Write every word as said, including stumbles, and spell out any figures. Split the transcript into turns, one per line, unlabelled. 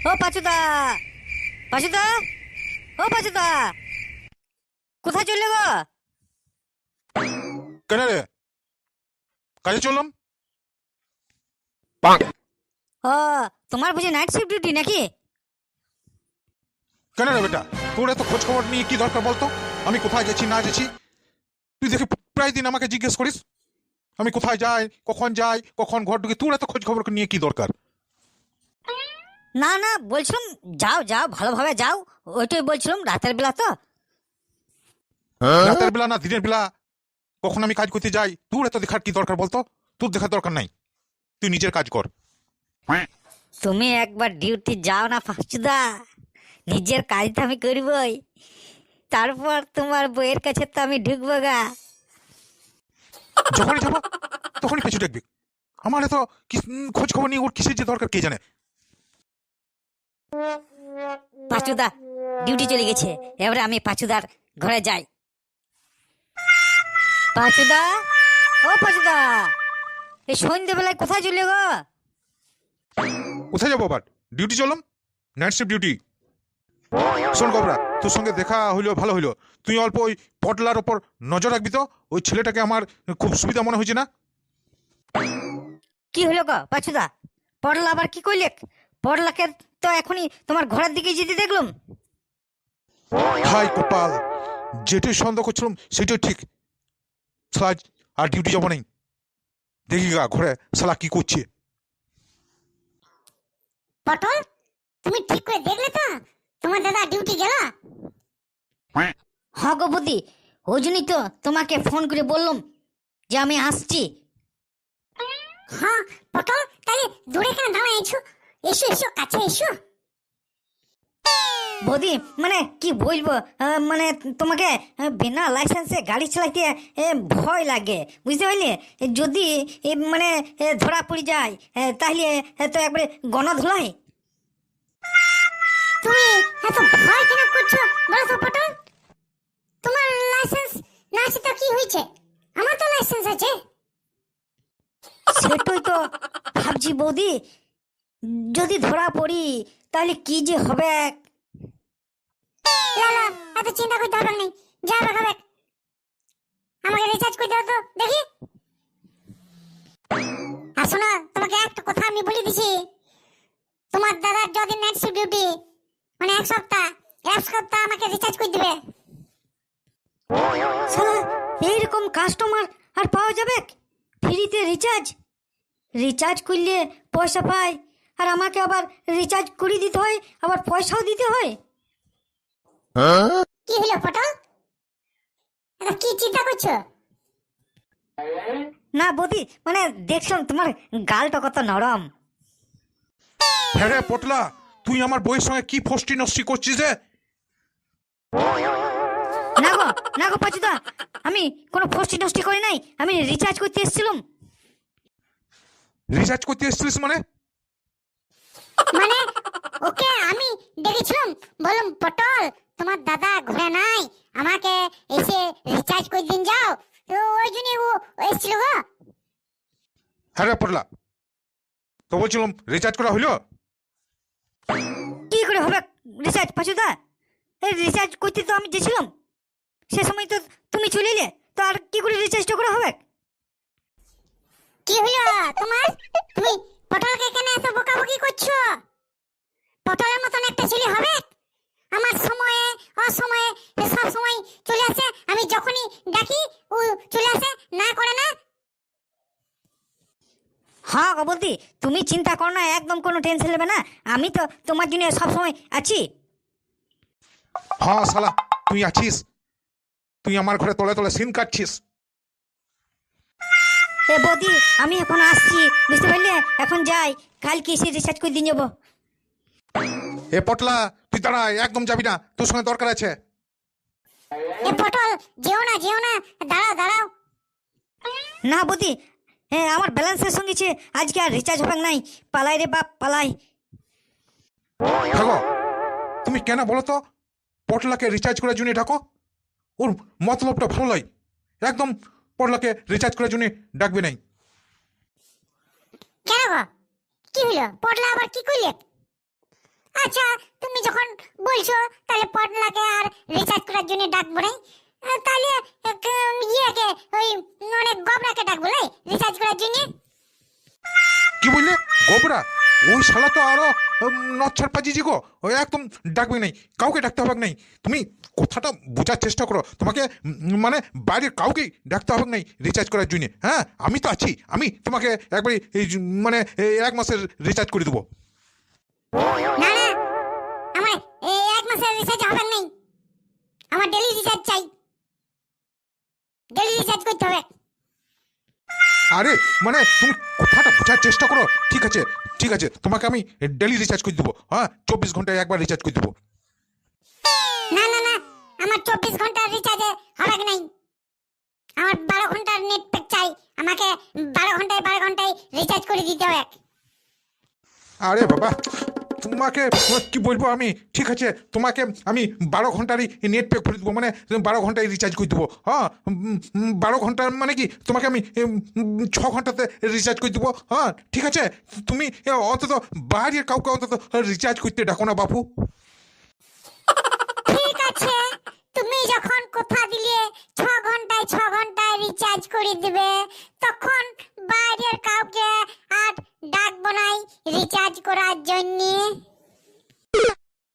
ও পাচুদা, পাচুদা, ও পাচুদা, কোথায় চললে গো?
কেন রে? কাজে চললাম।
ও তোমার বুঝি নাইট শিফট ডিউটি নাকি?
কেন রে বেটা, তোর এত খোঁজ খবর নিয়ে কি দরকার বলতো? আমি কোথায় যাচ্ছি না যাচ্ছি তুই দেখে প্রায় দিন আমাকে জিজ্ঞেস করিস আমি কোথায় যাই, কখন যাই, কখন ঘর ঢুকি। তোর এত খোঁজ খবর নিয়ে কি দরকার?
না না, বলছিলাম যাও যাও, ভালোভাবে যাও, ওইটাই বলছিলাম। রাতের বেলা তো।
রাতের বেলা না দিনের বেলা কখন আমি কাজ করতে যাই, তোর এত দেখার কি দরকার বলতো? তোর দেখার দরকার নাই, তুই নিজের কাজ কর।
তুমি একবার ডিউটি যাও না পাচুদা, নিজের কাজ তো আমি করবই, তারপর তোমার বইয়ের কাছে তো আমি ঢুকবো গা।
যখনই যাবো তখনই পেছু দেখবি। আমার এত কি- উম, খোঁজ খবর নিয়ে ওর কিসের যে দরকার কে জানে।
পাচুদা ডিউটি চলে গেছে, এবারে আমি পাচুদার ঘরে যাই। পাচুদা, ও পাচুদা, এই সন্ধ্যেবেলায় কোথায় চলে গো?
কোথায় যাবো আবার? ডিউটি চললাম, নাইট শিফট ডিউটি। শোন গবরা, তোর সঙ্গে দেখা হইলো ভালো হইলো। তুই অল্প ওই পটলার ওপর নজর রাখবি তো। ওই ছেলেটাকে আমার খুব সুবিধা মনে হয়েছে না।
কি হলো গো পাচুদা? পড়লা আবার কি কইলে? পড়লাকে তো এখনই তোমার ঘরের দিকে যেতে দেখলাম।
হাই কপাল, যেটাই সন্দেহ করছিলাম সেটাই ঠিক। শালা আজ আর ডিউটি যাবো নেই। দেখি গা ঘরে শালা কি করছে।
পটল, তুমি ঠিক করে দেখলে তো তোমার দাদা ডিউটি গেল?
হ গো বুদ্ধি, ওই জন্যই তো তোমাকে ফোন করে বললাম যে আমি আসছি।
হ্যাঁ পটল, তাহলে দূরে কেন দাঁড়ায় আছো? এসো এসো, কাছে এসো।
বৌদি মানে কি বলবো, আহ, মানে তোমাকে আহ, বিনা লাইসেন্সে গাড়ি চালাইতে আহ, ভয় লাগে, বুঝতে পারলে? যদি এ, মানে এ, ধরা পড়ে যায় আহ, তাহলে আহ, তো একবারে গণধোলাই।
তুমি এত ভয় কেন করছো বলো তো পটল? তোমার লাইসেন্স না আছে তো কি হয়েছে? আমার তো লাইসেন্স আছে।
সেটাই তো ভাবছি বৌদি, যদি ধরা পড়ি তাহলে কি যে হবে।
লালা, এত চিন্তা করতে হবে না, যা হবে। আমাকে রিচার্জ করে দাও তো দেখি। আর শোনো, তোমাকে একটা কথা আমি বলে দিছি, তোমার দাদার যদি নাইট শিফট ডিউটি মানে এক সপ্তাহ এক সপ্তাহ আমাকে রিচার্জ করে দিবে।
শালা এইরকম কাস্টমার আর পাওয়া যাবে? ফ্রিতে রিচার্জ, রিচার্জ করলে পয়সা পায়, আর আমাকে আবার রিচার্জ করে দিতে হয়, আবার পয়সাও দিতে হয়।
কি হলো পটল, এটা কি চিন্তা করছো?
না বৌদি, মানে দেখলাম তোমার গালটা কত নরম।
হ্যাঁ রে পটলা, তুই আমার বইয়ের সঙ্গে কি ফষ্টি নষ্টি করছিস রে?
না গো, না গো পাচুদা, আমি কোনো ফষ্টি নষ্টি করি নাই, আমি রিচার্জ করতে এসেছিলাম।
রিচার্জ করতে এসেছিলিস মানে?
মানে ওকে আমি ডেকেছিলাম, বললাম পটল তোমার দাদা ঘরে নাই, আমাকে এসে রিচার্জ করে দিন যাও, তো ওই জন্য ও এসেছিল গো।
হ্যাঁ রে পটলা, তো বলছিলাম রিচার্জ করা হইলো?
কি করে হবে রিচার্জ পাচুদা? এই রিচার্জ করতে তো আমি গেছিলাম, সে সময় তো তুমি চলে এলে, তো আর কি করে রিচার্জটা করা হবে?
কি হলো তোমার? তুমি পটলকে কেন এত বকাবকি করছো? পটলের মতন একটা ছেলে হবে? আমার সময়ে অসময়ে সব সময় চলে আসে, আমি যখনই ডাকি ও চলে আসে, না করে না।
হ্যাঁ গো বৌদি, তুমি চিন্তা করো না, একদম কোনো টেনশন নেবে না, আমি তো তোমার জন্য সবসময় আছি।
হ্যাঁ শালা তুই আছিস, তুই আমার ঘরে তলে তলে সিন কাটছিস।
এ বৌদি আমি এখন আসছি, বুঝতে পারলে? এখন যাই, কালকে এসে রিচার্জ করে দিয়ে যাবো।
এ পটলা, তুই দাঁড়া, একদম যাবি না, তোর সঙ্গে দরকার আছে।
এ পটল, যেও না যেও না, দাঁড়াও দাঁড়াও।
না বৌদি, হ্যাঁ আমার ব্যালেন্সের সঙ্গে ছে, আজকে আর রিচার্জ হবে নাই, পালাই রে বাপ পালাই।
দেখো তুমি কেন বলো তো পটলাকে রিচার্জ করার জন্য ডাকো? ওর মতলবটা ভালো নয়, একদম পটলাকে রিচার্জ করার জন্য ডাকবে নাই।
কেন গো, কি হলো? পটলা আবার কি করলে? আচ্ছা তুমি যখন বলছো তাহলে পটলাকে আর রিচার্জ করার জন্য ডাকবো নাই আহ, তাহলে আহ, ইয়েকে ওই অনেক গবরাকে ডাকবো লাই রিচার্জ করার জন্য।
কি বললে গোবরা? ওই শালা তো আরো নচ্ছার পাজিজি গো, ওই একদম ডাকবে নাই, কাউকে ডাকতে হবে নাই। তুমি কথাটা বোঝার চেষ্টা করো, তোমাকে উম, মানে বাইরের কাউকে ডাকতে হবে নাই রিচার্জ করার জন্য। হ্যাঁ আমি তো আছি, আমি তোমাকে একবারে এই যে, মানে এই এক মাসের রিচার্জ করে দেবো।
না না আমার এই এক মাসের রিচার্জ হবে নাই, আমার ডেলি রিচার্জ চাই, ডেলি রিচার্জ করতে হবে।
আরে মানে তুমি কথাটা বোঝার চেষ্টা করো। ঠিক আছে ঠিক আছে, তোমাকে আমি ডেলি রিচার্জ করে দেবো। হ্যাঁ চব্বিশ ঘন্টায় একবার রিচার্জ করে দেবো।
না না না আমার চব্বিশ ঘন্টার রিচার্জে হবে নাই, আমার বারো ঘন্টার নেট প্যাক চাই, আমাকে বারো ঘন্টায় বারো ঘন্টায় রিচার্জ করে দিতে হবে।
আরে বাবা তোমাকে কি বলবো আমি, ঠিক আছে তোমাকে আমি বারো ঘন্টারই নেট প্যাক করে দেবো, মানে বারো ঘন্টায় রিচার্জ করে দেবো। হ্যাঁ উম, উম, বারো ঘন্টার মানে কি তোমাকে আমি উম, উম, ছ ঘন্টাতে রিচার্জ করে দেবো। হ্যাঁ ঠিক আছে, তুমি অন্তত বাইরের কাউকে অন্তত রিচার্জ করতে ডাকো না বাপু।
ঠিক আছে তুমি যখন কথা দিলে ছ ঘন্টায় ছ ঘন্টায় রিচার্জ করে দিবে, তখন বাইরের কাউকে আর ডাকবো নাই রিচার্জ করার জন্য।